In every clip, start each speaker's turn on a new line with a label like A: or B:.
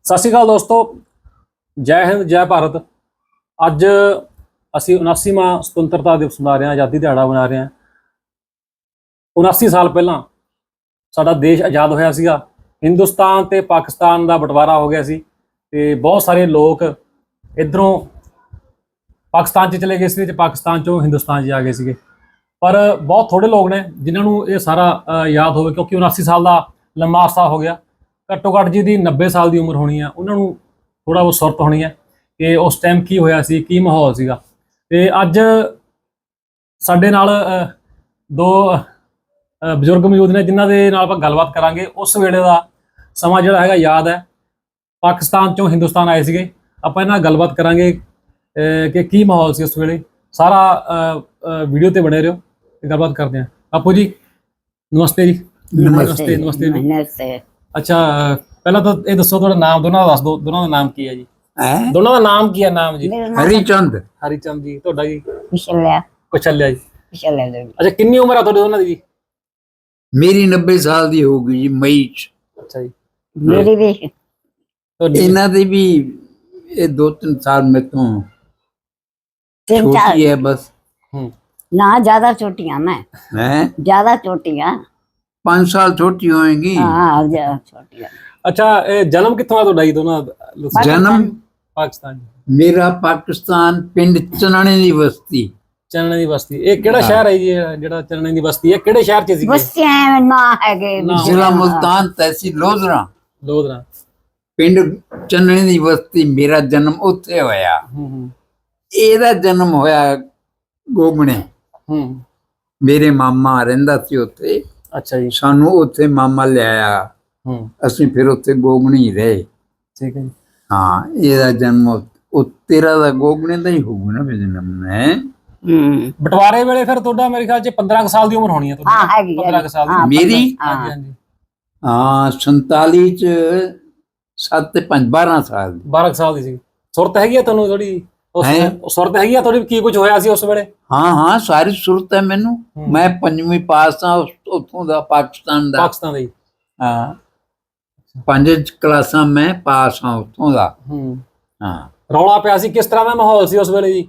A: ਸਤਿ ਸ਼੍ਰੀ ਅਕਾਲ ਦੋਸਤੋ, ਜੈ ਹਿੰਦ ਜੈ ਭਾਰਤ। ਅੱਜ ਅਸੀਂ 79ਵਾਂ ਸੁਤੰਤਰਤਾ ਦਿਵਸ ਮਨਾ ਰਹੇ ਹਾਂ, ਆਜ਼ਾਦੀ ਦਿਹਾੜਾ ਮਨਾ ਰਹੇ ਹਾਂ। 79 ਸਾਲ ਪਹਿਲਾਂ ਸਾਡਾ ਦੇਸ਼ ਆਜ਼ਾਦ ਹੋਇਆ ਸੀਗਾ। ਹਿੰਦੁਸਤਾਨ ਤੇ ਪਾਕਿਸਤਾਨ ਦਾ ਬਟਵਾਰਾ ਹੋ ਗਿਆ ਸੀ ਤੇ ਬਹੁਤ ਸਾਰੇ ਲੋਕ ਇੱਧਰੋਂ ਪਾਕਿਸਤਾਨ 'ਚ ਚਲੇ ਗਏ ਸੀ ਤੇ ਪਾਕਿਸਤਾਨ 'ਚੋਂ ਹਿੰਦੁਸਤਾਨ 'ਚ ਆ ਗਏ ਸੀਗੇ। ਪਰ ਬਹੁਤ ਥੋੜੇ ਲੋਕ ਨੇ ਜਿਨ੍ਹਾਂ ਨੂੰ ਇਹ ਸਾਰਾ ਯਾਦ ਹੋਵੇ, ਕਿਉਂਕਿ 79 ਸਾਲ ਦਾ ਲੰਮਾ ਅਰਸਾ ਹੋ ਗਿਆ। ਘੱਟੋ ਘੱਟ ਜਿਹਦੀ 90 ਸਾਲ ਦੀ ਉਮਰ ਹੋਣੀ ਆ, ਉਹਨਾਂ ਨੂੰ ਥੋੜ੍ਹਾ ਬਹੁਤ ਸੁਰਤ ਹੋਣੀ ਹੈ ਕਿ ਉਸ ਟਾਈਮ ਕੀ ਹੋਇਆ ਸੀ, ਕੀ ਮਾਹੌਲ ਸੀਗਾ। ਤੇ ਅੱਜ ਸਾਡੇ ਨਾਲ ਦੋ ਬਜ਼ੁਰਗ ਮੌਜੂਦ ਨੇ ਜਿਨ੍ਹਾਂ ਦੇ ਨਾਲ ਆਪਾਂ ਗੱਲਬਾਤ ਕਰਾਂਗੇ। ਉਸ ਵੇਲੇ ਦਾ ਸਮਾਂ ਜਿਹੜਾ ਹੈਗਾ ਯਾਦ ਹੈ, ਪਾਕਿਸਤਾਨ ਚੋਂ ਹਿੰਦੁਸਤਾਨ ਆਏ ਸੀਗੇ। ਆਪਾਂ ਇਹਨਾਂ ਨਾਲ ਗੱਲਬਾਤ ਕਰਾਂਗੇ ਕਿ ਕੀ ਮਾਹੌਲ ਸੀ ਉਸ ਵੇਲੇ। ਸਾਰਾ ਵੀਡੀਓ ਤੇ ਬਣੇ ਰਹੋ ਤੇ ਗੱਲਬਾਤ ਕਰਦੇ ਹਾਂ। ਆਪੂ ਜੀ ਨਮਸਤੇ ਜੀ। ਨਮਸਤੇ ਨਮਸਤੇ ਜੀ।
B: ਨਮਸਤੇ।
A: ਅੱਛਾ, ਪਹਿਲਾਂ ਤਾਂ ਇਹ ਦੱਸੋ ਤੁਹਾਡਾ ਨਾਮ, ਦੋਨਾਂ ਦਾ ਦੱਸ ਦਿਓ। ਦੋਨਾਂ ਦਾ ਨਾਮ ਕੀ ਹੈ ਜੀ? ਦੋਨਾਂ ਦਾ ਨਾਮ ਕੀ ਹੈ? ਨਾਮ ਜੀ?
B: ਹਰੀਚੰਦ।
A: ਹਰੀਚੰਦ ਜੀ। ਤੁਹਾਡਾ ਜੀ?
B: ਕੁਸ਼ਲਿਆ।
A: ਕੁਸ਼ਲਿਆ ਜੀ।
B: ਕੁਸ਼ਲਿਆ ਜੀ।
A: ਅੱਛਾ, ਕਿੰਨੀ ਉਮਰ ਆ ਤੁਹਾਡੇ ਦੋਨਾਂ ਦੀ ਜੀ?
C: ਮੇਰੀ 90 ਸਾਲ ਦੀ ਹੋ ਗਈ ਜੀ ਮਈ ਚ।
A: ਅੱਛਾ ਜੀ।
B: ਮੇਰੀ ਵੀ
C: ਇਹਨਾਂ ਦੀ ਵੀ ਇਹ 2-3 ਸਾਲ ਮੇਰੇ ਤੋਂ
B: तीन चार
C: छोटी है बस।
B: ना ज्यादा छोटियां मैं
C: हैं
B: ज्यादा छोटियां
C: 5 साल छोटी होएंगी।
B: हाँ ज्यादा छोटियां।
A: ਅੱਛਾ, ਇਹ ਜਨਮ ਕਿੱਥੋਂ ਆ ਤੁਹਾਡਾ ਜੀ ਦੋਨਾਂ ਦਾ?
C: जन्म
A: ਪਾਕਿਸਤਾਨ ਜੀ।
C: मेरा पाकिस्तान पिंड चनाने दी बस्ती।
A: ਚਨਣੇ ਦੀ ਬਸਤੀ। ਇਹ ਕਿਹੜਾ ਸ਼ਹਿਰ ਹੈ ਜੀ? ਇਹ ਜਿਹੜਾ ਚਨਣੇ ਦੀ ਬਸਤੀ ਹੈ ਕਿਹੜੇ ਸ਼ਹਿਰ 'ਚ ਸੀ?
B: बस्तियां ना है गे
C: जिला मुल्तान तहसील लोधरा
A: ਲੋਧਰਾ।
C: पिंड चनने दी बस्ती। मेरा जन्म उत्थे होया। ਇਹਦਾ ਜਨਮ ਹੋਇਆ ਗੋਗਣੇ। ਮੇਰੇ ਮਾਮਾ ਰਹਿੰਦਾ ਸੀ ਉੱਥੇ।
A: ਅੱਛਾ ਜੀ।
C: ਸਾਨੂੰ ਉੱਥੇ ਮਾਮਾ ਲਿਆਇਆ, ਅਸੀਂ ਫਿਰ ਉੱਥੇ ਗੋਗਣੀ ਰਹੇ।
A: ਠੀਕ ਹੈ ਜੀ।
C: ਹਾਂ, ਇਹਦਾ ਜਨਮ ਉਹ ਤੇਰਾ ਦਾ ਗੋਗਣੇ ਦਾ ਹੀ ਹੋਊਗਾ ਨਾ ਵੀ ਜਨਮ ਹੈ।
A: ਬਟਵਾਰੇ ਵੇਲੇ ਫਿਰ ਤੁਹਾਡਾ ਮੇਰੇ ਖਿਆਲ 'ਚ 15 ਕੁ ਸਾਲ ਦੀ ਉਮਰ ਹੋਣੀ ਹੈ ਤੁਹਾਡੀ?
B: हाँ है
A: 15 ਕੁ ਸਾਲ ਦੀ।
C: ਮੇਰੀ
A: ਹਾਂਜੀ ਹਾਂਜੀ।
C: ਹਾਂ 47 ਚ 7 ਤੇ 5 12 ਸਾਲ ਦੀ।
A: 12 ਕੁ ਸਾਲ ਦੀ ਸੀ। ਸੁਰਤ ਹੈਗੀ ਆ ਤੁਹਾਨੂੰ ਥੋੜੀ? ਸੁਰਤ ਹੈਗੀ ਆ ਥੋੜੀ? ਕੀ ਕੁਝ ਹੋਇਆ ਸੀ ਉਸ ਵੇਲੇ?
C: ਹਾਂ ਹਾਂ, ਸਾਰੀ ਸੁਰਤ ਹੈ ਮੈਨੂੰ। ਮੈਂ 5ਵੀਂ ਪਾਸ ਆ ਉੱਥੋਂ ਦਾ, ਪਾਕਿਸਤਾਨ ਦਾ।
A: ਪਾਕਿਸਤਾਨ ਦਾ ਜੀ।
C: ਹਾਂ, 5 ਕਲਾਸਾਂ ਮੈਂ ਪਾਸ ਆ ਉੱਥੋਂ ਦਾ। ਹਾਂ।
A: ਰੌਲਾ ਪਿਆ ਸੀ, ਕਿਸ ਤਰ੍ਹਾਂ ਦਾ ਮਾਹੌਲ ਸੀ ਉਸ ਵੇਲੇ ਜੀ?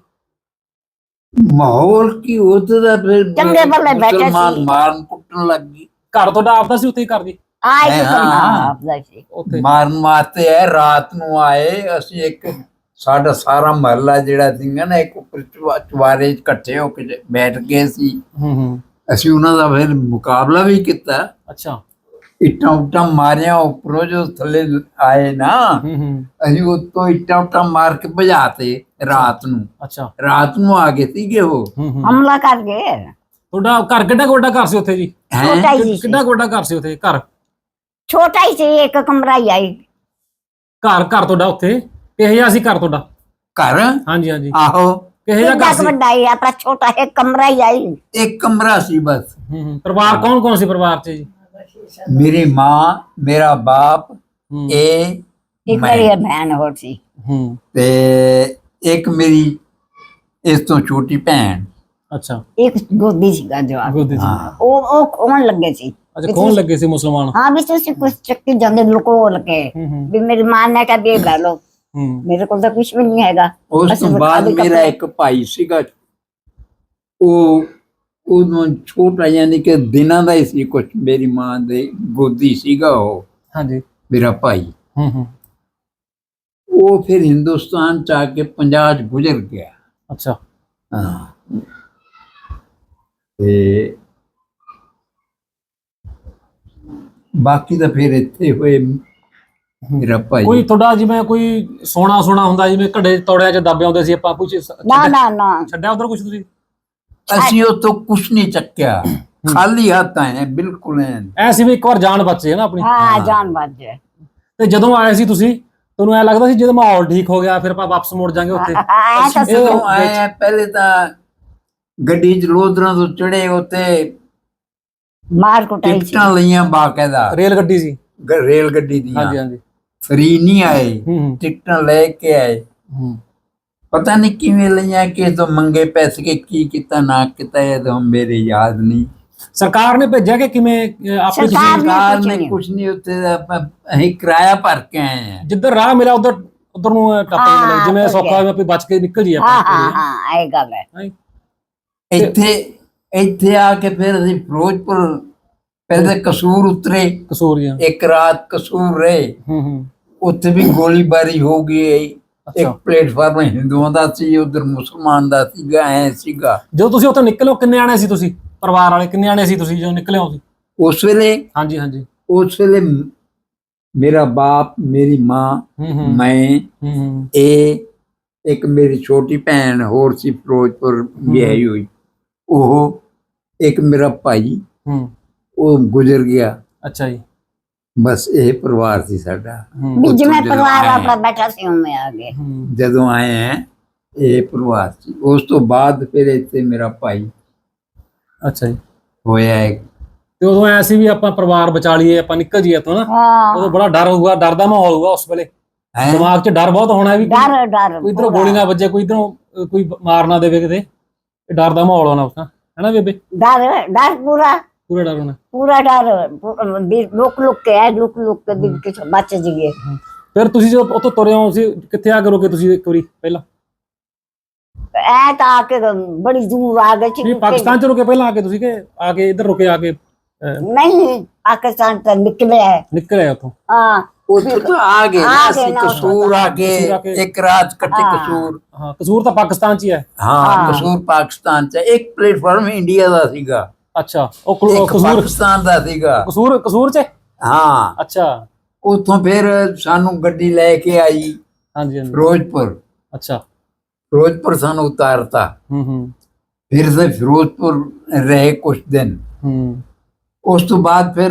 C: ਮਾਹੌਲ ਕੀ ਉੱਥੇ ਦਾ ਫਿਰ
B: ਚੰਗੇ ਭਲੇ ਬੈਠੇ
C: ਮੁਸਲਮਾਨ
B: ਸੀ।
C: ਮਾਰਨ ਕੁੱਟਣ ਲੱਗ ਗਈ।
A: ਘਰ ਤੁਹਾਡਾ ਆਪਦਾ ਸੀ ਉੱਥੇ ਹੀ? ਘਰ ਜੀ
B: आए तो
C: हाँ।
B: आपदा से
A: ਉੱਥੇ?
C: ਮਾਰਨ ਵਾਸਤੇ ਹੈ। ਰਾਤ ਨੂੰ ਆਏ ਅਸੀਂ, ਇੱਕ ਸਾਡਾ ਸਾਰਾ ਮਹੱਲਾ ਜਿਹੜਾ ਸੀਗਾ ਨਾ, ਇੱਕ ਉੱਪਰ ਚੁਬਾਰੇ ਇਕੱਠੇ ਹੋ ਕੇ ਬੈਠ ਗਏ ਸੀ। ਅਸੀਂ ਉਹਨਾਂ ਦਾ ਫਿਰ ਮੁਕਾਬਲਾ ਵੀ ਕੀਤਾ।
A: ਅੱਛਾ।
C: ਇੱਟਾਂ ਉੱਟਾਂ ਮਾਰਿਆ ਉੱਪਰੋਂ, ਜੋ ਥੱਲੇ ਆਏ ਨਾ ਅਸੀਂ ਉੱਤੋਂ ਇੱਟਾਂ ਉੱਟਾਂ ਮਾਰ ਕੇ ਭਜਾਤੇ ਰਾਤ ਨੂੰ।
A: ਅੱਛਾ।
C: ਰਾਤ ਨੂੰ ਆ ਗਏ ਸੀਗੇ ਉਹ।
B: हमला कर गए।
A: ਤੁਹਾਡਾ ਘਰ ਕਿੱਡਾ ਕੁ ਵੱਡਾ ਘਰ ਸੀ ਉੱਥੇ ਜੀ?
B: छोटा ही सी
A: ਕਿੱਡਾ ਕੁ ਵੱਡਾ ਘਰ ਸੀ ਉੱਥੇ? ਘਰ
B: छोटा ही सी एक कमरा ही आई।
A: ਘਰ ਤੁਹਾਡਾ ਉੱਥੇ ਕਿਹੋ ਜਿਹਾ ਸੀ ਘਰ ਤੁਹਾਡਾ?
C: ਘਰ
A: ਹਾਂਜੀ ਹਾਂਜੀ।
C: ਆਹੋ,
A: ਕਿਹੋ ਜਿਹਾ ਘਰ ਸੀ?
B: बड़ा ही अपना छोटा एक कमरा ही आई।
C: ਇੱਕ ਕਮਰਾ ਸੀ ਬਸ।
A: ਪਰਿਵਾਰ ਕੌਣ ਕੌਣ ਸੀ ਪਰਿਵਾਰ 'ਚ ਜੀ?
C: ਮੇਰੀ ਮਾਂ, ਮੇਰਾ ਬਾਪ, ਇਹ
B: एक
C: मैं।
B: मेरी बहन और सी।
C: ਤੇ ਇੱਕ ਮੇਰੀ ਇਸ ਤੋਂ ਛੋਟੀ ਭੈਣ।
A: ਅੱਛਾ।
B: एक गोदी सी का जवाब
A: ਗੋਦੀ 'ਚ।
C: ਹਾਂ,
B: ओ खोन लगे सी।
A: ਅੱਛਾ, ਕੌਣ ਲੱਗੇ ਸੀ? ਮੁਸਲਮਾਨ?
B: हाँ भी तुसी कुछ चक्की जांदे लुको लगे भी मेरी मां ने कहा भी ले लो। मेरे को तो कुछ भी नहीं हैगा।
C: ਉਸ
B: ਅਸੀਂ
C: ਤੋਂ ਬਾਅਦ
B: ਖਾਲੀ
C: ਮੇਰਾ
B: ਕੱਪੜੇ-
C: ਇੱਕ ਭਾਈ ਸੀਗਾ। ਉਹ ਛੋਟਾ, ਯਾਨੀ ਕਿ ਦਿਨਾਂ ਦਾ ਹੀ ਸੀ ਕੁਛ। ਮੇਰੀ ਮਾਂ ਦੇ ਗੋਦੀ ਸੀਗਾ ਉਹ
A: ਹਾਂਜੀ।
C: ਮੇਰਾ ਭਾਈ। ਉਹ ਫਿਰ ਹਿੰਦੁਸਤਾਨ ਚ ਆ ਕੇ 50 ਚ ਗੁਜ਼ਰ ਗਿਆ।
A: ਅੱਛਾ।
C: ਹਾਂ, ਤੇ ਬਾਕੀ ਤਾਂ ਫਿਰ ਇੱਥੇ ਹੋਏ ਮੇਰਾ ਭਾਈ।
A: ਕੋਈ ਤੁਹਾਡਾ ਜਿਵੇਂ ਕੋਈ ਸੋਨਾ ਹੁੰਦਾ, ਜਿਵੇਂ ਘੜੇ ਤੋੜਿਆਂ 'ਚ ਦੱਬੇ ਆਉਂਦੇ ਸੀ ਆਪਾਂ, ਕੁਝ
B: ना ना ना
A: ਛੱਡਿਆ ਉਧਰ ਕੁਝ ਤੁਸੀਂ?
C: ਅਸੀਂ ਉੱਥੋਂ ਕੁਛ ਨਹੀਂ ਚੱਕਿਆ, ਖਾਲੀ ਹੱਥ ਆਏ ਹਾਂ, ਬਿਲਕੁਲ ਐਨ।
A: ਐ ਸੀ ਵੀ ਇੱਕ ਵਾਰ ਜਾਨ ਬਚੇ ਨਾ ਆਪਣੀ।
B: हाँ जान बाज है।
A: ਤੇ ਜਦੋਂ ਆਏ ਸੀ ਤੁਸੀਂ, ਤੁਹਾਨੂੰ ਐ ਲੱਗਦਾ ਸੀ ਜਦੋਂ ਮਾਹੌਲ ਠੀਕ ਹੋ ਗਿਆ ਫਿਰ ਆਪਾਂ ਵਾਪਸ ਮੁੜ ਜਾਾਂਗੇ ਉੱਥੇ?
B: ऐसा
C: ਅਸੀਂ ਜਦੋਂ ਆਏ ਹਾਂ, ਪਹਿਲੇ ਤਾਂ ਗੱਡੀ ਚ ਲੋਧਰਾਂ ਤੋਂ ਚੜੇ, ਉੱਥੇ
B: मार कुटाई सी।
C: ਟਿਕਟਾਂ ਲਈਆਂ ਬਾਕਾਇਦਾ,
A: ਰੇਲ ਗੱਡੀ ਸੀ?
C: ਰੇਲ ਗੱਡੀ ਦੀਆਂ।
A: ਹਾਂਜੀ ਹਾਂਜੀ।
C: ਫਰੀ ਨਹੀਂ ਆਏ, ਟਿਕਟਾਂ ਲੈ ਕੇ ਆਏ। ਪਤਾ ਨਹੀਂ ਕਿਵੇਂ ਲਈਆਂ, ਕਿਸੇ ਤੋਂ ਮੰਗੇ ਪੈਸੇ, ਕੇ ਕੀ ਕੀਤਾ ਨਾ ਕੀਤਾ, ਇਹ ਤਾਂ ਮੇਰੇ ਯਾਦ ਨਹੀਂ।
A: ਸਰਕਾਰ ਨੇ ਭੇਜਿਆ ਕਿ ਕਿਵੇਂ ਆਪੇ ਤੁਸੀਂ
B: ਸਰਕਾਰ
C: ਸਰਕਾਰ
B: ਕੁਛ
C: ਨੇ
B: ਨਹੀਂ।
C: ਕੁਝ ਨਹੀਂ, ਉੱਥੇ ਅਸੀਂ ਕਿਰਾਇਆ ਭਰ ਕੇ ਆਏ ਆ।
A: ਜਿੱਧਰ ਰਾਹ ਮਿਲਿਆ ਉਧਰ ਉਧਰ ਨੂੰ ਟੱਪ
B: ਹਾਂ,
A: ਗਏ, ਜਿਵੇਂ
B: ਤੁਰ
A: ਸੌਖਾ
B: ਗਏ।
A: ਹੋਇਆ ਵੀ ਬਚ ਕੇ ਨਿਕਲ ਜੀ
B: ਹਾਂ
A: ਆਪਾਂ
B: ਹਾਂ ਹਾਂ ਇਹ ਗੱਲ ਹੈ।
A: ਹੈਂ?
C: ਇੱਥੇ ਇੱਥੇ ਆ ਕੇ ਫਿਰ ਅਸੀਂ ਫਿਰੋਜ਼ਪੁਰ ਪਹਿਲੇ ਕਸੂਰ ਉਤਰੇ,
A: ਕਸੂਰੀਆਂ।
C: ਇੱਕ ਰਾਤ ਕਸੂਰ ਰਹੇ।
A: ਹੂੰ।
C: ਉੱਥੇ ਵੀ ਗੋਲੀਬਾਰੀ ਹੋ ਗਈ।
A: ਅੱਛਾ।
C: ਇੱਕ ਪਲੇਟਫਾਰਮ ਹਿੰਦੂਆਂ ਦਾ ਸੀ, ਉਧਰ ਮੁਸਲਮਾਨ ਦਾ ਸੀਗਾ, ਐ ਸੀਗਾ।
A: ਜਦੋਂ ਤੁਸੀਂ ਉੱਥੋਂ ਨਿਕਲੇ ਹੋ ਕਿੰਨੇ ਆਣੇ ਸੀ ਤੁਸੀਂ, ਪਰਿਵਾਰ ਵਾਲੇ ਕਿੰਨੇ ਆਣੇ ਸੀ ਤੁਸੀਂ ਜਦੋਂ ਨਿਕਲੇ ਹੋ ਤੁਸੀਂ?
C: ਉਸ ਵੇਲੇ
A: ਹਾਂਜੀ ਹਾਂਜੀ।
C: ਉਸ ਵੇਲੇ ਮੇਰਾ ਬਾਪ, ਮੇਰੀ ਮਾਂ,
A: ਹੂੰ
C: ਮੈਂ,
A: ਹੂੰ
C: ਇਹ ਇੱਕ ਮੇਰੀ ਛੋਟੀ ਭੈਣ ਹੋਰ ਸੀ ਫਿਰੋਜ਼ਪੁਰ ਵਿਆਹੀ ਹੋਈ, ਉਹ ਇੱਕ ਮੇਰਾ ਭਾਈ,
A: ਹੂੰ।
C: ਉਹ ਗੁਜ਼ਰ ਗਿਆ।
A: ਅੱਛਾ ਜੀ।
C: ਬਸ ਇਹ ਪਰਿਵਾਰ ਸੀ ਸਾਡਾ।
A: ਹੂੰ
B: ਵੀ ਜਿਵੇਂ
C: ਜਦੋਂ
B: ਪਰਿਵਾਰ
C: ਆਏ
B: ਆਪਣਾ ਬੈਠਾ ਸੀ ਉਵੇਂ ਆ ਗਏ।
A: ਹੂੰ।
C: ਜਦੋਂ ਆਏ ਹੈ ਇਹ ਪਰਿਵਾਰ ਸੀ। ਉਸ ਤੋਂ ਬਾਅਦ ਫਿਰ ਇੱਥੇ ਮੇਰਾ ਭਾਈ
A: ਅੱਛਾ ਜੀ।
C: ਹੋਇਆ ਇੱਕ।
A: ਤੇ ਉਦੋਂ ਐ ਸੀ ਵੀ ਆਪਾਂ ਪਰਿਵਾਰ ਬਚਾ ਲਈਏ, ਆਪਾਂ ਨਿਕਲ ਜੀਏ ਇੱਥੋਂ ਨਾ। ਉਦੋਂ
B: ਹਾਂ
A: ਬੜਾ ਡਰ ਹੋਊਗਾ, ਡਰ ਦਾ ਮਾਹੌਲ ਹੋਊਗਾ ਉਸ ਵੇਲੇ,
C: ਹੈਂ?
A: ਦਿਮਾਗ 'ਚ ਡਰ ਬਹੁਤ ਹੋਣਾ ਵੀ
B: ਡਰ ਡਰ
A: ਕੋਈ ਇਧਰੋਂ ਗੋਲੀ ਨਾ ਵੱਜੇ, ਕੋਈ ਇਧਰੋਂ ਕੋਈ ਮਾਰ ਨਾ ਦੇਵੇ ਕਿਤੇ। ਇਹ ਡਰ ਦਾ ਮਾਹੌਲ ਹੋਣਾ ਉਸ ਨਾਲ, ਹੈਨਾ ਬੇਬੇ?
B: ਡਰ ਡਰ ਪੂਰਾ
A: ਪੂਰਾ ਡਰ ਹੋਣਾ।
B: ਪੂਰਾ ਡਰ ਵੀ ਲੁਕ ਲੁਕ ਕੇ ਹੈ, ਲੁਕ ਲੁਕ ਕੇ ਵੀ ਕਿਸ ਬਚ ਜੀਏ।
A: ਫਿਰ ਤੁਸੀਂ ਜਦੋਂ ਉੱਥੋਂ ਤੁਰੇ ਹੋ, ਤੁਸੀਂ ਕਿੱਥੇ ਆ ਕੇ ਰੁਕੇ ਤੁਸੀਂ ਇੱਕ ਵਾਰੀ ਪਹਿਲਾਂ?
B: ਐ ਤਾਂ ਆ ਕੇ ਬੜੀ ਦੂਰ ਆ ਗਏ
A: ਨਹੀਂ,
B: ਸੀ।
A: ਪਾਕਿਸਤਾਨ 'ਚ ਰੁਕੇ ਪਹਿਲਾਂ ਆ ਕੇ ਤੁਸੀਂ, ਕਿ ਆ ਕੇ ਇੱਧਰ ਰੁਕੇ ਆ ਕੇ
B: ਨਹੀਂ ਪਾਕਿਸਤਾਨ ਤੋਂ ਨਿਕਲੇ ਹੈ।
A: ਨਿਕਲ ਆਏ ਉੱਥੋਂ?
B: ਹਾਂ
C: ਉੱਥੋਂ ਤਾਂ ਆ ਗਏ ਨਾ
B: ਆ ਗਏ
C: ਅਸੀਂ,
B: ਨਾ,
C: ਕਸੂਰ ਆ
A: ਕਸੂਰ ਆ
C: ਕੇ
A: ਕੇ।
C: ਇੱਕ ਰਾਤ ਕੱਟੇ
B: ਹਾਂ।
C: ਕਸੂਰ।
A: ਹਾਂ, ਕਸੂਰ ਤਾਂ ਪਾਕਿਸਤਾਨ 'ਚ ਹੀ ਹੈ।
C: ਹਾਂ,
B: ਹਾਂ।
C: ਕਸੂਰ ਪਾਕਿਸਤਾਨ ਚ। ਇੱਕ ਪਲੇਟਫਾਰਮ ਇੰਡੀਆ ਦਾ ਸੀਗਾ,
A: ਅੱਛਾ, ਉਹ
C: ਇੱਕ
A: ਕਸੂਰ
C: ਪਾਕਿਸਤਾਨ ਦਾ ਸੀਗਾ।
A: ਕਸੂਰ 'ਚ?
C: ਹਾਂ,
A: ਅੱਛਾ।
C: ਉੱਥੋਂ ਫਿਰ ਸਾਨੂੰ ਗੱਡੀ ਲੈ ਕੇ ਆਈ
A: ਹਾਂਜੀ ਹਾਂਜੀ।
C: ਫਿਰੋਜ਼ਪੁਰ।
A: ਅੱਛਾ।
C: ਫਿਰੋਜ਼ਪੁਰ ਸਾਨੂੰ ਉਤਾਰਤਾ।
A: ਹੂੰ
C: ਫਿਰ ਸੇ ਫਿਰੋਜ਼ਪੁਰ ਰਹੇ ਕੁछ दिन।
A: ਹੂੰ।
C: ਉਸ ਤੋਂ ਬਾਅਦ ਫਿਰ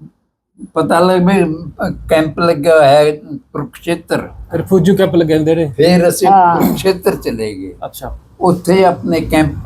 C: ਪਤਾ ਲੱਗ ਵੀ ਕੈਂਪ ਲੱਗਿਆ ਹੋਇਆ ਹੈ ਕੁਰੂਕਸ਼ੇਤਰ।
A: ਰਿਫਿਊਜੀ ਕੈਂਪ ਲੱਗੇ ਹੁੰਦੇ ਨੇ।
C: ਫਿਰ ਅਸੀਂ
B: ਹਾਂ।
C: ਕੁਰੂਕਸ਼ੇਤਰ ਚਲੇ ਗਏ।
A: ਅੱਛਾ।
C: ਉੱਥੇ ਆਪਣੇ ਕੈਂਪ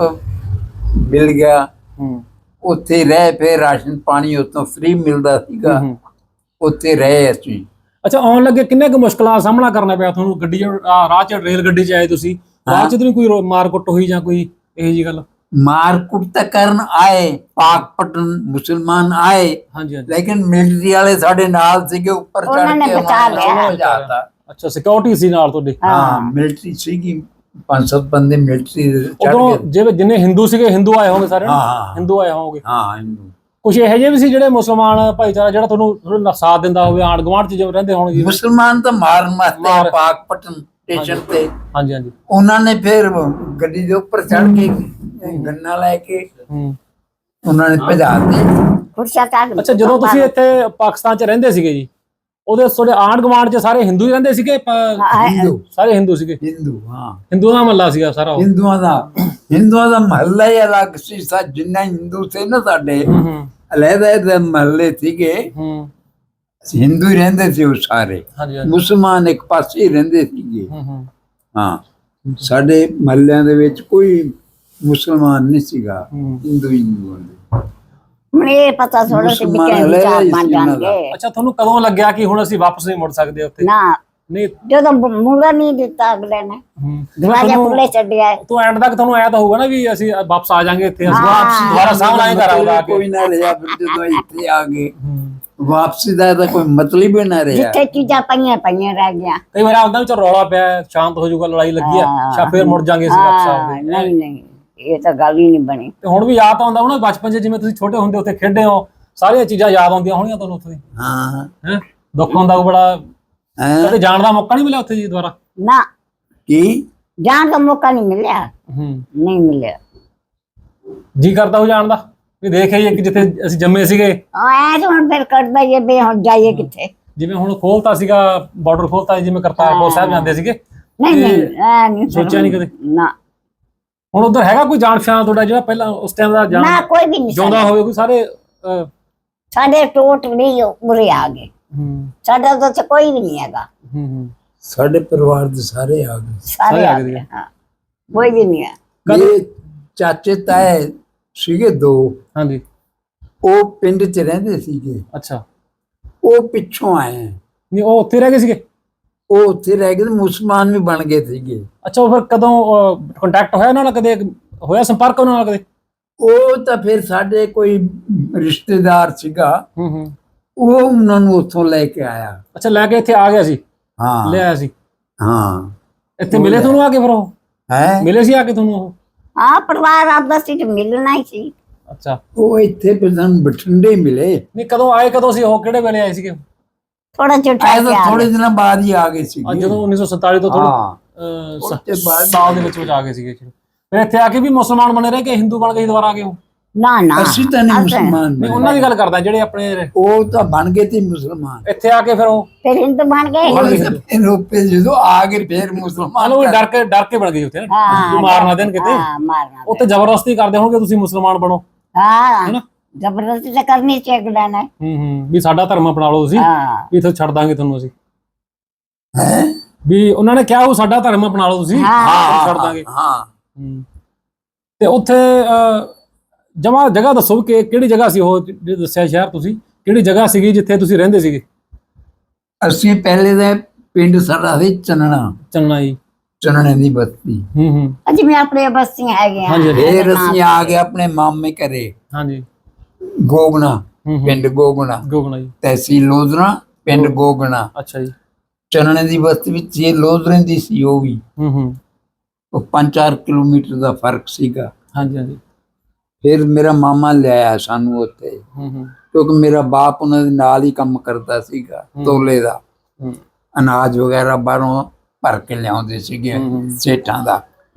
C: ਮਿਲ ਗਿਆ,
A: ਹੂੰ
C: ਉੱਥੇ ਰਹਿ। ਫਿਰ ਰਾਸ਼ਨ ਪਾਣੀ ਉੱਥੋਂ ਫ੍ਰੀ ਮਿਲਦਾ ਸੀਗਾ,
A: ਹੂੰ।
C: ਉੱਥੇ ਰਹੇ ਅਸੀਂ।
A: ਅੱਛਾ, ਆਉਣ ਲੱਗੇ ਕਿੰਨੇ ਕੁ ਮੁਸ਼ਕਲਾਂ ਦਾ ਸਾਹਮਣਾ ਕਰਨਾ ਪਿਆ ਤੁਹਾਨੂੰ? ਗੱਡੀ 'ਚ ਰਾਹ 'ਚ ਰੇਲ ਗੱਡੀ 'ਚ ਆਏ ਤੁਸੀਂ, ਰਾਹ 'ਚ ਤਾਂ ਨਹੀਂ ਕੋਈ ਮਾਰ ਕੁੱਟ ਹੋਈ ਜਾਂ ਕੋਈ ਇਹੋ ਜਿਹੀ ਗੱਲ?
C: मारकुट तक ਕਰਨ ਆਏ, ਪਾਕਪਟਨ ਮੁਸਲਮਾਨ ਆਏ,
A: ਹਾਂਜੀ ਹਾਂਜੀ।
C: ਲੇਕਿਨ ਮਿਲਟਰੀ ਵਾਲੇ ਸਾਡੇ ਨਾਲ ਸੀਗੇ, ਉੱਪਰ
B: ਉਹਨਾਂ
C: ਚੜ
B: ਨੇ
C: ਕੇ
B: ਬਚਾ ਲਿਆ।
C: ਬਚਾਤਾ।
A: ਅੱਛਾ, ਸਿਕਿਉਰਿਟੀ ਸੀ ਨਾਲ ਤੁਹਾਡੇ?
C: ਹਾਂ, ਮਿਲਟਰੀ ਸੀਗੀ, 5-7 ਬੰਦੇ ਮਿਲਟਰੀ ਚੜ
A: ਉਦੋਂ
C: ਗਏ।
A: ਜਿਵੇਂ ਜਿੰਨੇ ਹਿੰਦੂ ਸੀਗੇ, ਹਿੰਦੂ ਆਏ ਹੋਣਗੇ ਸਾਰੇ?
C: ਹਾਂ
A: ਹਿੰਦੂ ਆਏ ਹੋਣਗੇ।
C: ਹਾਂ, ਹਿੰਦੂ।
A: ਕੁਝ ਇਹੋ ਜਿਹੇ ਵੀ ਸੀ ਜਿਹੜੇ ਮੁਸਲਮਾਨ ਭਾਈਚਾਰਾ ਜਿਹੜਾ ਤੁਹਾਨੂੰ ਸਾਥ ਦਿੰਦਾ ਹੋਵੇ, ਆਂਢ ਗੁਆਂਢ 'ਚ ਜਿਵੇਂ ਰਹਿੰਦੇ ਹੋਣਗੇ?
C: ਮੁਸਲਮਾਨ ਤਾਂ ਮਾਰਨ ਵਾਸਤੇ ਪਾਕਪਟਨ ਸਟੇਸ਼ਨ ਤੇ
A: ਹਾਂਜੀ ਹਾਂਜੀ।
C: ਉਹਨਾਂ ਨੇ ਫਿਰ ਗੱਡੀ ਦੇ ਉੱਪਰ ਚੜ ਕੇ ਗੰਨਾ ਲੈ ਕੇ
A: ਹੂੰ।
C: ਉਹਨਾਂ ਨੇ ਭਜਾ ਦਿੱਤੇ।
B: ਫੁਰਸਤ ਆ ਗਈ।
A: ਅੱਛਾ, ਜਦੋਂ ਤੁਸੀਂ ਇੱਥੇ ਪਾਕਿਸਤਾਨ 'ਚ ਰਹਿੰਦੇ ਸੀਗੇ ਜੀ, ਉਹਦੇ ਤੁਹਾਡੇ ਆਂਢ ਗੁਆਂਢ 'ਚ ਸਾਰੇ ਹਿੰਦੂ ਹੀ ਰਹਿੰਦੇ ਸੀਗੇ?
C: ਹਿੰਦੂ,
A: ਸਾਰੇ ਹਿੰਦੂ ਸੀਗੇ?
C: ਹਿੰਦੂ, ਹਾਂ,
A: ਹਿੰਦੂਆਂ ਦਾ ਮਹੱਲਾ ਸੀਗਾ ਸਾਰਾ ਉਹ?
C: ਹਿੰਦੂਆਂ ਦਾ ਮਹੱਲਾ ਹੀ ਅਲੱਗ ਸੀ। ਜਿੰਨਾ ਹਿੰਦੂ ਸੀ ਨਾ ਸਾਡੇ,
A: ਹੂੰ
C: ਅਲੱਗ ਮਹੱਲੇ ਸੀਗੇ।
A: ਹੂੰ।
C: ਹਿੰਦੂ ਹੀ ਰਹਿੰਦੇ ਸੀ ਉਹ ਸਾਰੇ,
A: ਹਾਂਜੀ ਹਾਂਜੀ।
C: ਮੁਸਲਮਾਨ ਇੱਕ ਪਾਸੇ ਹੀ ਰਹਿੰਦੇ ਸੀਗੇ।
A: ਹੂੰ।
C: ਹਾਂ, ਸਾਡੇ ਮਹੱਲਿਆਂ ਦੇ ਵਿੱਚ ਕੋਈ ਮੁਸਲਮਾਨ ਨਹੀਂ ਸੀਗਾ, ਹਿੰਦੂ ਹੀ ਹੁੰਦੇ।
B: ਹੁਣ ਇਹ ਪਤਾ ਥੋੜਾ ਸੀ ਵੀ
C: ਮੁਸਲਮਾਨ
B: ਕਿਹੜੀ
C: ਅਲੱਗ
B: ਚਾਰ
C: ਹੀ
B: ਬਣ
C: ਸੀ ਉਹਨਾਂ ਦਾ।
B: ਜਾਣਗੇ।
A: ਅੱਛਾ, ਤੁਹਾਨੂੰ ਕਦੋਂ ਲੱਗਿਆ ਕਿ ਹੁਣ ਅਸੀਂ ਵਾਪਸ ਨਹੀਂ ਮੁੜ ਸਕਦੇ ਉੱਥੇ?
B: ਨਾ,
A: ਨਹੀਂ।
B: ਜਦੋਂ ਮੂੜਾ ਨਹੀਂ ਦਿੱਤਾ ਅਗਲੇ ਨੇ, ਦਰਵਾਜ਼ੇ ਖੁੱਲੇ ਛੱਡਿਆ।
A: ਤੂੰ ਐਂਡ ਤੱਕ ਤੁਹਾਨੂੰ ਆਇਆ ਤਾਂ ਹੋਊਗਾ ਨਾ ਵੀ ਅਸੀਂ ਵਾਪਸ ਆ ਜਾਾਂਗੇ ਇੱਥੇ, ਅਸੀਂ
B: ਹਾਂ।
A: ਦੁਬਾਰਾ ਸਾਹਮਣੇ ਆਏ ਘਰ ਆ ਕੇ।
C: ਕੋਈ ਨਾ ਰਿਹਾ ਫਿਰ ਜਦੋਂ ਇੱਥੇ ਆ ਗਏ। ਵਾਪਸੀ ਦਾ ਤਾਂ ਕੋਈ ਮਤਲਬ ਹੀ ਨਾ ਰਿਹਾ।
B: ਜਿੱਥੇ ਚੀਜ਼ਾਂ ਪਈਆਂ ਪਈਆਂ ਰਹਿ ਗਿਆ।
A: ਕਈ ਵਾਰ ਆਉਂਦਾ ਵੀ ਚਲ ਰੌਲਾ ਪਿਆ, ਸ਼ਾਂਤ ਹੋ ਜਾਊਗਾ, ਲੜਾਈ ਲੱਗੀ ਆ, ਸ਼ਾ ਫੇਰ ਮੁੜ ਜਾਾਂਗੇ ਅਸੀਂ ਵਾਪਸ ਆਉਂਦੇ।
B: ਨਹੀਂ ਨਹੀਂ, ਇਹ ਤਾਂ ਗੱਲ ਹੀ ਨਹੀਂ ਬਣੀ।
A: ਤੇ ਹੁਣ ਵੀ ਯਾਦ ਆਉਂਦਾ ਹੋਣਾ ਬਚਪਨ 'ਚ, ਜਿਵੇਂ ਤੁਸੀਂ ਛੋਟੇ ਹੁੰਦੇ ਉੱਥੇ ਖੇਡੇ ਹੋ, ਸਾਰੀਆਂ ਚੀਜ਼ਾਂ ਯਾਦ ਆਉਂਦੀਆਂ ਹੋਣੀਆਂ ਤੁਹਾਨੂੰ ਉੱਥੇ?
C: ਹਾਂ,
A: ਹੈ ਦੁੱਖ ਹੁੰਦਾ ਬੜਾ।
C: ਹੈਂ?
A: ਕਦੇ ਜਾਣ ਦਾ ਮੌਕਾ ਨਹੀਂ ਮਿਲਿਆ ਉੱਥੇ ਜੀ ਦੁਬਾਰਾ?
B: ਨਾ,
C: ਕੀ
B: ਜਾਣ ਦਾ ਮੌਕਾ ਨਹੀਂ ਮਿਲਿਆ।
A: ਹੂੰ।
B: ਨਹੀਂ ਮਿਲਿਆ।
A: ਜੀ ਕਰਦਾ ਹੋ ਜਾਣ ਦਾ ਵੀ ਦੇਖ ਆਈਏ ਕਿ ਜਿੱਥੇ ਅਸੀਂ ਜੰਮੇ ਸੀਗੇ।
B: ਐ ਤਾਂ ਹੁਣ ਫਿਰ ਕੱਢਦਾ ਹੀ ਵੀ ਹੁਣ ਜਾਈਏ ਕਿੱਥੇ।
A: ਜਿਵੇਂ ਹੁਣ ਖੋਲਤਾ ਸੀਗਾ ਬਾਰਡਰ, ਖੋਲਤਾ ਜਿਵੇਂ ਕਰਤਾਰਪੁਰ ਸਾਹਿਬ ਜਾਂਦੇ ਸੀਗੇ।
B: ਨਹੀਂ ਨਹੀਂ, ਐ ਨਹੀਂ
A: ਸੋਚਿਆ ਨਹੀਂ ਕਦੇ?
B: ਨਾ
A: ਹੁਣ ਉਧਰ ਹੈਗਾ ਕੋਈ ਜਾਣ ਪਛਾਣ ਤੁਹਾਡਾ ਜਿਹੜਾ ਪਹਿਲਾਂ ਉਸ ਟਾਈਮ ਦਾ
B: ਨਾ, ਕੋਈ ਵੀ ਨਹੀਂ
A: ਜਿਉਂਦਾ ਹੋਵੇ ਕੋਈ? ਸਾਰੇ
B: ਸਾਡੇ ਟੋਟ ਨਹੀਂ ਉਰੇ ਆ ਗਏ। ਸਾਡਾ ਤਾਂ ਉੱਥੇ ਕੋਈ ਵੀ ਨਹੀਂ ਹੈਗਾ।
C: ਸਾਡੇ ਪਰਿਵਾਰ ਦੇ ਸਾਰੇ ਆ ਗਏ।
B: ਸਾਰੇ ਆ ਗਏ। ਹਾਂ, ਕੋਈ ਵੀ ਨਹੀਂ ਹੈ।
C: ਮੇਰੇ ਚਾਚੇ ਤਾਏ ਸੀਗੇ 2,
A: ਹਾਂਜੀ।
C: ਉਹ ਪਿੰਡ 'ਚ ਰਹਿੰਦੇ ਸੀਗੇ,
A: ਅੱਛਾ।
C: ਉਹ ਪਿੱਛੋਂ ਆਏ ਆ।
A: ਨਹੀਂ, ਉਹ ਉੱਥੇ ਰਹਿ ਗਏ ਸੀਗੇ?
C: ਉਹ ਉੱਥੇ ਰਹਿ ਗਏ, ਮੁਸਲਮਾਨ ਵੀ ਬਣ ਗਏ ਸੀਗੇ।
A: ਅੱਛਾ, ਉਹ ਫਿਰ ਕਦੋਂ ਕੰਟੈਕਟ ਹੋਇਆ ਉਹਨਾਂ ਨਾਲ? ਕਦੇ ਹੋਇਆ ਸੰਪਰਕ ਉਹਨਾਂ ਨਾਲ ਕਦੇ?
C: ਉਹ ਤਾਂ ਫਿਰ ਸਾਡੇ ਕੋਈ ਰਿਸ਼ਤੇਦਾਰ ਸੀਗਾ,
A: ਹੂੰ।
C: ਉਹ ਉਹਨਾਂ ਨੂੰ ਉੱਥੋਂ ਲੈ ਕੇ ਆਇਆ।
A: ਅੱਛਾ, ਲੈ ਕੇ ਇੱਥੇ ਆ ਗਿਆ ਸੀ,
C: ਹਾਂ
A: ਲੈ ਆਇਆ ਸੀ
C: ਹਾਂ।
A: ਇੱਥੇ। ਮਿਲੇ ਤੁਹਾਨੂੰ ਆ ਕੇ ਫਿਰ ਉਹ
C: ਹੈ
A: ਮਿਲੇ ਸੀ ਆ ਕੇ ਤੁਹਾਨੂੰ ਉਹ?
B: ਹਾਂ ਪਰਿਵਾਰ ਆਪਦਾ ਸੀ ਤੇ ਮਿਲਣਾ ਹੀ ਸੀ।
A: ਅੱਛਾ,
C: ਉਹ ਇੱਥੇ ਫਿਰ ਸਾਨੂੰ ਬਠਿੰਡੇ ਮਿਲੇ।
A: ਨਹੀਂ ਕਦੋਂ ਆਏ, ਕਦੋਂ ਸੀ ਉਹ, ਕਿਹੜੇ ਵੇਲੇ ਆਏ ਸੀਗੇ?
B: ਥੋੜਾ ਜਿਹਾ
C: ਆਏ
B: ਠਹਿਰ
C: ਤਾਂ
B: ਕੇ ਆ
C: ਥੋੜੇ
B: ਗਏ।
C: ਦਿਨਾਂ ਬਾਅਦ ਹੀ ਆ ਗਏ ਸੀ।
A: ਅੱਜ ਜਦੋਂ 1947 ਤੋਂ ਥੋੜਾ
C: ਹਾਂ ਉਹਦੇ ਬਾਅਦ
A: ਸਾਲ ਦੇ ਵਿੱਚ ਆ ਗਏ ਸੀਗੇ। ਫਿਰ ਇੱਥੇ ਆ ਕੇ ਵੀ ਮੁਸਲਮਾਨ ਬਣੇ ਰਹੇ ਕਿ ਹਿੰਦੂ ਬਣ ਕੇ ਦੁਬਾਰਾ ਆ ਗਏ ਹੋ?
B: ਨਾ ਨਾ
C: ਅਸੀਂ ਤਾਂ ਨਹੀਂ
B: ਅਸੀਂ-
C: ਮੁਸਲਮਾਨ
A: ਨਹੀਂ,
C: ਬਣੇ।
A: ਉਹਨਾਂ ਦੀ ਗੱਲ ਕਰਦਾ ਜਿਹੜੇ ਆਪਣੇ
C: ਉਹ ਤਾਂ ਬਣ ਗਏ ਤੇ ਮੁਸਲਮਾਨ।
A: ਇੱਥੇ ਆ ਕੇ ਫਿਰ ਉਹ
B: ਫਿਰ ਹਿੰਦੂ ਬਣ ਗਏ।
C: ਉਹ ਤਾਂ ਫਿਰ ਉੱਪਰ ਜਦੋਂ ਆ ਗਏ ਫਿਰ ਮੁਸਲਮਾਨ
A: ਮਤਲਬ ਡਰ ਕੇ ਬਣ ਗਏ ਉੱਥੇ,
B: ਹਾਂ,
A: ਮਾਰਨਾ ਦੇਣ ਕਿਤੇ।
B: ਹਾਂ ਮਾਰਨਾ
A: ਉੱਥੇ ਜ਼ਬਰਦਸਤੀ ਕਰਦੇ ਹੋਣਗੇ ਤੁਸੀਂ ਮੁਸਲਮਾਨ ਬਣੋ,
B: ਹਾਂ
A: ਹੈਨਾ?
B: ਜ਼ਬਰਦਸਤੀ ਤਾਂ ਕਰਨੀ ਚਾਹੀਦਾ ਨਾ।
A: ਵੀ ਸਾਡਾ ਧਰਮ ਅਪਣਾ ਲਓ ਤੁਸੀਂ,
B: ਹਾਂ
A: ਵੀ ਇੱਥੇ ਛੱਡ ਦਾਂਗੇ ਤੁਹਾਨੂੰ ਅਸੀਂ।
C: ਹੈ।
A: ਵੀ ਉਹਨਾਂ ਨੇ ਕਿਹਾ ਉਹ ਸਾਡਾ ਧਰਮ ਅਪਣਾ ਲਓ ਤੁਸੀਂ,
B: ਹਾਂ,
A: ਛੱਡ ਦਾਂਗੇ।
C: ਹਾਂ
A: ਤੇ ਉੱਥੇ ਜਮਾ ਜਗ੍ਹਾ ਦੱਸੋ ਕਿ ਕਿਹੜੀ ਜਗ੍ਹਾ ਸੀ ਉਹ ਜਿਹੜੇ ਦੱਸਿਆ ਸ਼ਹਿਰ ਤੁਸੀਂ, ਕਿਹੜੀ ਜਗ੍ਹਾ ਸੀਗੀ ਜਿੱਥੇ ਤੁਸੀਂ ਰਹਿੰਦੇ ਸੀਗੇ?
C: ਅਸੀਂ ਪਹਿਲੇ ਦੇ ਪਿੰਡ ਸਾਡਾ ਸੀ ਚੰਨਣਾ,
A: ਚੰਨਾ ਜੀ।
C: ਚੰਨਣੇ ਦੀ ਬਸਤੀ।
B: ਅੱਜ ਮੈਂ ਆਪਣੇ ਬਸਤੀਆਂ ਹੈਗੇ
A: ਹਾਂਜੀ,
C: ਫਿਰ ਅਸੀਂ ਆ ਗਏ ਆਪਣੇ ਮਾਮੇ ਘਰੇ
A: ਹਾਂਜੀ।
C: ਗੋਗਣਾ, ਪਿੰਡ ਗੋਗਣਾ,
A: ਗੋਗਣਾ ਜੀ।
C: ਤਹਿਸੀਲ ਲੋਧਰਾ, ਪਿੰਡ ਗੋਗਣਾ।
A: ਅੱਛਾ ਜੀ।
C: ਚੰਨਣੇ ਦੀ ਬਸਤੀ ਵਿੱਚ ਇਹ ਲੋਧਰੇ ਦੀ ਸੀ ਉਹ ਵੀ। ਉਹ 5-4 ਕਿਲੋਮੀਟਰ ਦਾ ਫਰਕ ਸੀਗਾ।
A: ਹਾਂਜੀ ਹਾਂਜੀ।
C: ਫਿਰ ਮੇਰਾ ਮਾਮਾ ਲਿਆਇਆ ਸਾਨੂੰ ਉੱਥੇ, ਕਿਉਂਕਿ ਮੇਰਾ ਬਾਪ ਉਹਨਾਂ ਦੇ ਨਾਲ ਹੀ ਕੰਮ ਕਰਦਾ ਸੀਗਾ, ਤੋਲੇ ਦਾ ਅਨਾਜ ਵਗੈਰਾ ਬਾਹਰੋਂ ਭਰ ਕੇ ਲਿਆਉਂਦੇ ਸੀਗੇ ਸੇਠਾਂ ਦਾ।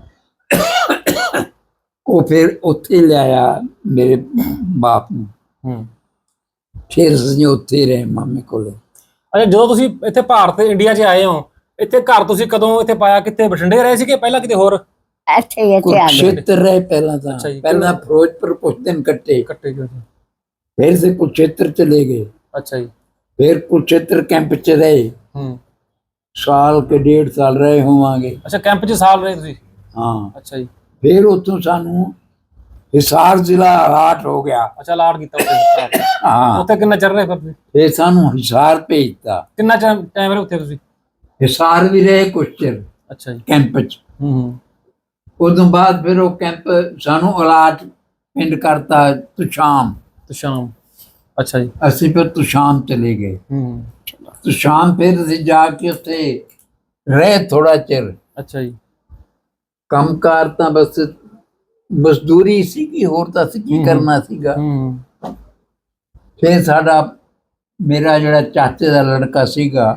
C: ਉਹ ਫਿਰ ਉੱਥੇ ਲਿਆਇਆ ਮੇਰੇ ਬਾਪ ਨੂੰ। ਫਿਰ ਅਸੀਂ ਉੱਥੇ ਰਹੇ ਮਾਮੇ ਕੋਲੇ।
A: ਅੱਛਾ, ਜਦੋਂ ਤੁਸੀਂ ਇੱਥੇ ਭਾਰਤ ਇੰਡੀਆ 'ਚ ਆਏ ਹੋ, ਇੱਥੇ ਘਰ ਤੁਸੀਂ ਕਦੋਂ ਇੱਥੇ ਪਾਇਆ? ਕਿੱਥੇ, ਬਠਿੰਡੇ ਰਹੇ ਸੀਗੇ ਪਹਿਲਾਂ ਕਿਤੇ ਹੋਰ?
B: ਇੱਥੇ ਆ ਗਏ।
C: ਕੁਰਕਸ਼ੇਤਰ ਰਹੇ ਪਹਿਲਾਂ ਤਾਂ।
A: ਅੱਛਾ ਜੀ।
C: ਪਹਿਲਾਂ ਫਿਰੋਜ਼ਪੁਰ ਕੁਛ ਦਿਨ ਕੱਟੇ,
A: ਗਏ।
C: ਫਿਰ ਸੇ ਕੁਰਕਸ਼ੇਤਰ ਚਲੇ ਗਏ।
A: ਅੱਛਾ ਜੀ।
C: ਫਿਰ ਕੁਰਕਸ਼ੇਤਰ ਕੈਂਪ ਚ ਰਹੇ, ਸਾਲ ਕੇ 1.5 ਸਾਲ ਰਹੇ ਹੋਵਾਂਗੇ।
A: ਅੱਛਾ, ਕੈਂਪ 'ਚ ਸਾਲ ਰਹੇ ਤੁਸੀਂ?
C: ਹਾਂ।
A: ਅੱਛਾ ਜੀ।
C: ਫਿਰ ਉੱਥੋਂ ਸਾਨੂੰ ਹਿਸਾਰ ਜ਼ਿਲ੍ਹਾ ਅਲਾਟ ਹੋ ਗਿਆ।
A: ਅੱਛਾ, ਲਾੜ ਕੀਤਾ ਉੱਥੇ।
C: ਹਾਂ।
A: ਉੱਥੇ ਕਿੰਨਾ ਚਿਰ ਰਹੇ ਫਿਰ ਤੁਸੀਂ?
C: ਫਿਰ ਸਾਨੂੰ ਹਿਸਾਰ ਭੇਜਤਾ।
A: ਕਿੰਨਾ ਟਾਈਮ ਰਹੇ ਉੱਥੇ ਤੁਸੀਂ?
C: ਹਿਸਾਰ ਵੀ ਰਹੇ ਕੁਛ ਚਿਰ
A: ਅੱਛਾ ਜੀ।
C: ਕੈਂਪ ਚ। ਉਦੋਂ ਬਾਅਦ ਫਿਰ ਉਹ ਕੈਂਪ ਸਾਨੂੰ ਅਲਾਟ ਪਿੰਡ ਕਰਤਾ ਤੁਸ਼ਾਮ।
A: ਤੁਸ਼ਾਮ। ਅੱਛਾ ਜੀ।
C: ਅਸੀਂ ਫਿਰ ਤੁਸ਼ਾਮ ਚਲੇ ਗਏ। ਤੁਸ਼ਾਮ ਫਿਰ ਅਸੀਂ ਜਾ ਕੇ ਉੱਥੇ ਰਹੇ ਥੋੜਾ ਚਿਰ।
A: ਅੱਛਾ ਜੀ।
C: ਕੰਮਕਾਰ ਤਾਂ ਬਸ ਮਜ਼ਦੂਰੀ ਸੀਗੀ, ਹੋਰ ਤਾਂ ਅਸੀਂ ਕੀ ਕਰਨਾ ਸੀਗਾ। ਫਿਰ ਸਾਡਾ ਮੇਰਾ ਜਿਹੜਾ ਚਾਚੇ ਦਾ ਲੜਕਾ ਸੀਗਾ,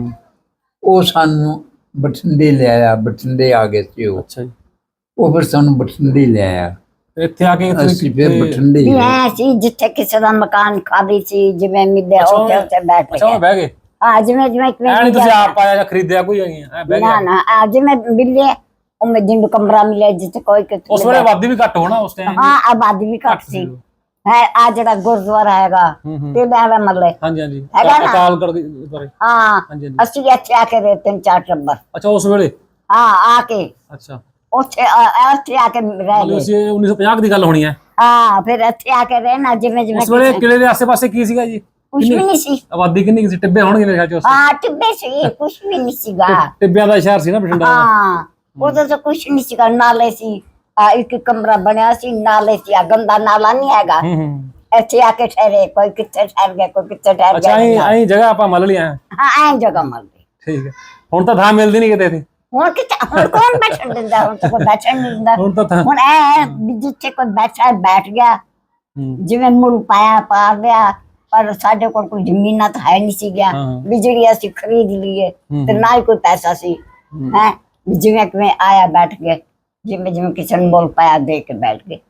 C: ਉਹ ਸਾਨੂੰ ਬਠਿੰਡੇ ਲਿਆਇਆ। ਬਠਿੰਡੇ ਆ ਗਏ ਸੀ ਉਹ।
A: ਅੱਛਾ ਜੀ।
C: ਉਹ ਫਿਰ ਸਾਨੂੰ ਬਠਿੰਡੇ ਲਿਆਇਆ।
A: ਇੱਥੇ ਆ ਕੇ
C: ਅਸੀਂ ਫਿਰ ਬਠਿੰਡੇ
B: ਵੀ ਐ ਸੀ ਜਿੱਥੇ ਕਿਸੇ ਦਾ ਮਕਾਨ ਖਾਲੀ ਸੀ, ਜਿਵੇਂ ਮਿਲਿਆ ਉੱਥੇ ਬੈਠ
A: ਅੱਛਾ,
B: ਗਏ।
A: ਬਹਿ ਗਏ?
B: ਹਾਂ ਜਿਵੇਂ ਜਿਵੇਂ
A: ਐ ਨਹੀਂ ਤੁਸੀਂ ਆਪ ਆਇਆ ਜਾਂ ਖਰੀਦਿਆ ਕੋਈ? ਐ ਬਹਿ
B: ਨਾ
A: ਗਏ?
B: ਨਾ ਜਿਵੇਂ ਮਿਲਿਆ ਉਵੇਂ ਜਿੰਨ ਕਮਰਾ ਮਿਲਿਆ ਜਿੱਥੇ ਕੋਈ ਕਿਤੇ।
A: ਉਸ ਵੇਲੇ ਆਬਾਦੀ ਵੀ ਘੱਟ ਹੋਣਾ ਉਸ ਟਾਈਮ?
B: ਹਾਂ ਆਬਾਦੀ ਵੀ ਘੱਟ ਸੀ। ਹੈ ਆ ਜਿਹੜਾ ਗੁਰਦੁਆਰਾ ਹੈਗਾ ਤੇ ਬਾਬਾ ਮੱਲੇ।
A: ਹਾਂਜੀ ਹਾਂਜੀ।
B: ਹੈਗਾ ਨਾ?
A: ਅਕਾਲ ਤਖਤ ਬਾਰੇ।
B: ਹਾਂ
A: ਹਾਂਜੀ ਹਾਂਜੀ।
B: ਅਸੀਂ ਇੱਥੇ ਆ ਕੇ ਰਹੇ 3-4 ਟੱਬਰ।
A: ਅੱਛਾ, ਉਸ ਵੇਲੇ?
B: ਹਾਂ ਆ ਕੇ
A: ਅੱਛਾ,
B: ਉੱਥੇ ਆ ਕੇ ਰਹਿ
A: ਮਤਲਬ
B: ਗਏ।
A: ਅਸੀਂ 1950 ਦੀ ਗੱਲ ਹੋਣੀ ਹੈ।
B: ਹਾਂ ਫਿਰ ਇੱਥੇ ਆ ਕੇ ਰਹਿਣਾ ਜਿਵੇਂ ਜਿਵੇਂ
A: ਉਸ ਵੇਲੇ ਕਿਲੇ ਦੇ ਆਸੇ-ਪਾਸੇ ਕੀ ਸੀਗਾ ਜੀ?
B: ਕੁਛ ਵੀ ਨਹੀਂ ਸੀ।
A: ਆਬਾਦੀ ਕਿੰਨੀ ਕੁ ਸੀ? ਟਿੱਬੇ ਹੋਣਗੇ ਮੇਰੇ ਖਿਆਲ ਚ ਉਸ time?
B: ਹਾਂ ਟਿੱਬੇ ਸੀ, ਕੁਛ ਵੀ ਨਹੀਂ ਸੀਗਾ।
A: ਟਿੱਬਿਆਂ ਦਾ ਸ਼ਹਿਰ ਸੀ ਨਾ ਬਠਿੰਡਾ।
B: ਹਾਂ ਉਦੋਂ ਤਾਂ ਕੁਛ ਨਹੀਂ ਸੀਗਾ। ਨਾਲੇ ਸੀ ਇੱਕ ਕਮਰਾ ਬਣਿਆ ਸੀ, ਨਾਲੇ ਸੀ ਗੰਦਾ ਨਾਲਾ ਨਹੀਂ ਹੈਗਾ। ਇੱਥੇ ਆ ਕੇ ਠਹਿਰੇ, ਕੋਈ ਕਿੱਥੇ ਠਹਿਰ ਗਿਆ, ਕੋਈ ਕਿੱਥੇ ਠਹਿਰ
A: ਅੱਛਾ,
B: ਗਿਆ।
A: ਐਂ ਜਗ੍ਹਾ ਆਪਾਂ ਮੱਲ ਲਿਆ।
B: ਹਾਂ ਐਂ ਜਗ੍ਹਾ ਮਿਲ ਗਈ।
A: ਠੀਕ ਹੈ। ਹੁਣ ਤਾਂ ਥਾਂ ਮਿਲਦੀ ਨਹੀਂ ਕਿਤੇ।
B: ਹੁਣ ਕਿੱਥੇ, ਹੁਣ ਕੌਣ ਬੈਠਣ ਦਿੰਦਾ? ਹੁਣ ਤਾਂ ਕੋਈ ਬੈਠਣ ਨਹੀਂ ਦਿੰਦਾ।
A: ਹੁਣ ਤਾਂ ਥਾਂ
B: ਹੁਣ ਐ ਵੀ ਜਿੱਥੇ ਕੋਈ ਬੈਠਾ ਬੈਠ ਗਿਆ, ਜਿਵੇਂ ਮੁੱਲ ਪਾਇਆ ਪਾ ਲਿਆ। ਪਰ ਸਾਡੇ ਕੋਲ ਕੋਈ ਜ਼ਮੀਨਾਂ ਤਾਂ ਹੈ ਨਹੀਂ ਸੀਗੀਆਂ ਵੀ ਜਿਹੜੀ ਅਸੀਂ ਖਰੀਦ ਲਈਏ, ਤੇ ਨਾ ਹੀ ਕੋਈ ਪੈਸਾ ਸੀ। ਹੈ ਜਿਵੇਂ ਕਿਵੇਂ ਆਇਆ ਬੈਠ ਗਏ, ਜਿਵੇਂ ਜਿਵੇਂ ਕਿਸੇ ਨੂੰ ਮੁੱਲ ਪਾਇਆ ਦੇ ਕੇ ਬੈਠ ਗਏ।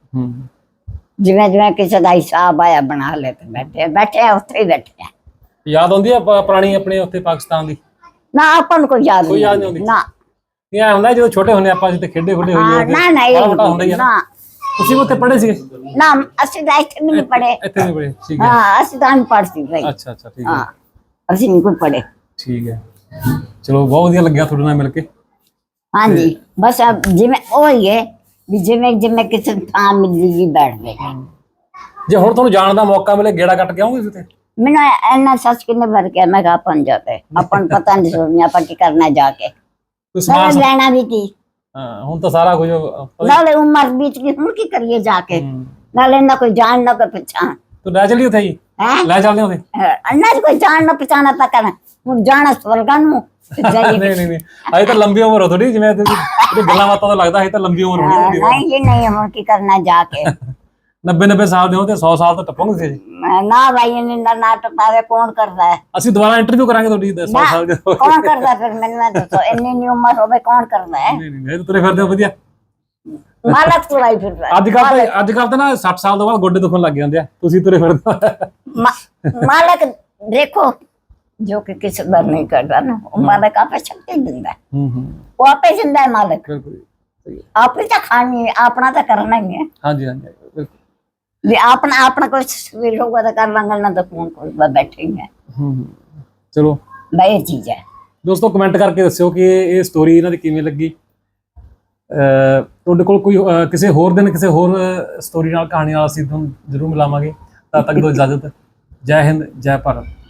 B: ਜਿਵੇਂ ਜਿਵੇਂ ਕਿਸੇ ਦਾ ਹਿਸਾਬ ਆਇਆ ਬਣਾ ਲੈ ਤੇ ਬੈਠੇ ਉੱਥੇ ਹੀ ਬੈਠੇ।
A: ਯਾਦ ਆਉਂਦੀ ਆ ਪੁਰਾਣੀ ਆਪਣੇ ਉੱਥੇ ਪਾਕਿਸਤਾਨ ਦੀ?
B: ਨਾ ਆਪਾਂ ਨੂੰ ਕੋਈ ਯਾਦ ਨਹੀਂ
A: ਆਉਂਦੀ?
B: ਨਾ।
A: ਇਹ ਹੁੰਦਾ ਜਦੋਂ ਛੋਟੇ ਹੁੰਦੇ ਆਪਾਂ ਜਿੱਥੇ ਖੇਡੇ ਖੁੱਡੇ ਹੋਈਏ।
B: ਨਾ ਨਾ ਇਹ ਨਾ।
A: ਤੁਸੀਂ ਉੱਥੇ ਪੜ੍ਹੇ ਸੀਗੇ?
B: ਨਾ ਅਸੀਂ ਤਾਂ ਇੱਥੇ ਨਹੀਂ ਪੜ੍ਹੇ।
A: ਇੱਥੇ ਨਹੀਂ ਪੜ੍ਹੇ? ਠੀਕ ਹੈ।
B: ਹਾਂ ਅਸੀਂ ਤਾਂ ਅਨਪੜ੍ਹ ਸੀ ਭਾਈ।
A: ਅੱਛਾ ਅੱਛਾ, ਠੀਕ ਹੈ।
B: ਹਾਂ ਅਸੀਂ ਨਹੀਂ ਕੋਈ ਪੜ੍ਹੇ।
A: ਠੀਕ ਹੈ, ਚਲੋ ਬਹੁਤ ਵਧੀਆ ਲੱਗਿਆ ਤੁਹਾਡੇ ਨਾਲ ਮਿਲ ਕੇ।
B: ਹਾਂਜੀ ਬਸ ਜਿਵੇਂ ਉਹ ਹੀ ਹੈ ਵੀ ਜਿਵੇਂ ਜਿਵੇਂ ਕਿਸੇ ਥਾਂ ਮਿਲਦੀ ਵੀ ਬੈਠ ਗਏ।
A: ਜੇ ਹੁਣ ਤੁਹਾਨੂੰ ਜਾਣ ਦਾ ਮੌਕਾ ਮਿਲੇ, ਗੇੜਾ ਕੱਟ ਕੇ ਆਉਂਗੇ ਉੱਥੇ?
B: ਮੈਨੂੰ ਇੰਨਾ ਸੱਚ ਕਿੰਨੇ ਭਰ ਕੇ ਮੈਂ ਕਿਹਾ ਆਪਾਂ ਨੂੰ ਜਾਤੇ, ਆਪਾਂ ਨੂੰ ਪਤਾ ਨਹੀਂ ਸੋਚਣਾ ਆਪਾਂ ਕੀ ਕਰਨਾ ਜਾ ਕੇ।
A: ਕੋਈ ਸਮਾਨ
B: ਲੈਣਾ ਵੀ ਕੀ।
A: ਹਾਂ, ਹੁਣ ਤਾਂ ਸਾਰਾ ਕੁਝ
B: ਨਾਲੇ ਉਮਰ ਬੀਤ ਗਈ, ਹੁਣ ਕੀ ਕਰੀਏ ਜਾ ਕੇ। ਨਾਲੇ ਇਹਨਾਂ ਕੋਈ ਜਾਣ ਨਾ ਕੋਈ ਪਛਾਣ
A: ਤੂੰ ਲੈ ਚੱਲੀ ਉੱਥੇ ਜੀ,
B: ਹੈ
A: ਲੈ ਚੱਲਦੇ ਉੱਥੇ।
B: ਅੰਨਾ ਕੋਈ ਜਾਣ ਨਾ ਪਛਾਣਾ ਤਾਂ ਕਰਨ ਹੁਣ ਜਾਣਾ ਸਵਰਗਾਂ ਨੂੰ ਤੇ ਜਾਈਏ।
A: ਨਹੀਂ ਨਹੀਂ ਅਜੇ ਤਾਂ ਲੰਬੀ ਉਮਰ ਹੋ ਥੋੜੀ, ਜਿਵੇਂ ਇਹਦੀ ਗੱਲਾਂ ਬਾਤਾਂ ਤੋਂ ਲੱਗਦਾ ਅਜੇ ਤਾਂ ਲੰਬੀ ਉਮਰ ਹੋਣੀ ਹੁੰਦੀ।
B: ਨਹੀਂ ਜੀ ਨਹੀਂ, ਹੁਣ ਕੀ ਕਰਨਾ ਜਾ ਕੇ
A: 90 ਸਾਲ ਦੇ ਹੋ ਤੇ 100 ਸਾਲ ਤਾਂ ਟੱਪੋਗੇ ਜੀ।
B: ਨਾ ਭਾਈ ਇਹਨਾਂ ਨਾਟਕ ਪਾਵੇ ਕੌਣ ਕਰਦਾ ਹੈ?
A: ਅਸੀਂ ਦੁਬਾਰਾ ਇੰਟਰਵਿਊ ਕਰਾਂਗੇ ਤੁਹਾਡੀ 100 ਸਾਲ ਦੇ।
B: ਕੌਣ ਕਰਦਾ ਫਿਰ ਮੈਨੂੰ ਇਹ ਦੱਸੋ, ਇੰਨੀ ਉਮਰ ਹੋਵੇ ਕੌਣ ਕਰਦਾ ਹੈ?
A: ਨਹੀਂ ਨਹੀਂ ਤੁਰੇ ਫਿਰਦੇ ਹੋ ਵਧੀਆ।
B: ਮਾਲਕ ਤੁਰਾਈ ਫਿਰਦਾ
A: ਅੱਜ ਕੱਲ ਤਾਂ ਨਾ 60 ਸਾਲ ਤੋਂ ਬਾਅਦ ਗੋਡੇ ਦੁਖਣ ਲੱਗ ਜਾਂਦੇ ਆ, ਤੁਸੀਂ ਤੁਰੇ ਫਿਰਦੇ ਹੋ।
B: ਮਾਲਕ ਦੇਖੋ ਜੋ ਕਿ ਕਿਸੇ ਦਾ ਨਹੀਂ ਕਰਦਾ ਨਾ, ਉਹ ਮਾਲਕ ਆਪੇ ਸ਼ਕਤੀ ਦਿੰਦਾ ਹੈ। ਉਹ ਆਪੇ ਦਿੰਦਾ ਹੈ ਮਾਲਕ,
A: ਬਿਲਕੁਲ
B: ਆਪੇ ਤਾਂ ਖਾਣੀ ਹੈ, ਆਪਣਾ ਤਾਂ ਕਰਨਾ ਹੀ ਹੈ।
A: ਹਾਂਜੀ ਹਾਂਜੀ ਬਿਲਕੁਲ।
B: ਵੀ ਆਪਣਾ ਕੁਛ ਵੀ ਹੋਗਾ ਤਾਂ ਕਰ ਲਾਂਗਾ, ਨਾ ਤਾਂ ਕੌਣ ਕੋਈ ਬੈਠੇ ਹੀ ਹੈ।
A: ਚਲੋ
B: ਬਈ ਇਹ ਚੀਜ਼ ਹੈ।
A: ਦੋਸਤੋ ਕਮੈਂਟ ਕਰਕੇ ਦੱਸਿਓ ਕਿ ਇਹ ਸਟੋਰੀ ਇਹਨਾਂ ਦੀ ਕਿਵੇਂ ਲੱਗੀ। ਤੁਹਾਡੇ ਕੋਲ ਕੋਈ ਕਿਸੇ ਹੋਰ ਦਿਨ ਕਿਸੇ ਹੋਰ ਸਟੋਰੀ ਨਾਲ, ਕਹਾਣੀ ਨਾਲ ਅਸੀਂ ਤੁਹਾਨੂੰ ਜ਼ਰੂਰ ਮਿਲਾਵਾਂਗੇ। ਤਦ ਤੱਕ ਦਿਓ ਇਜਾਜ਼ਤ। ਜੈ ਹਿੰਦ, ਜੈ ਭਾਰਤ।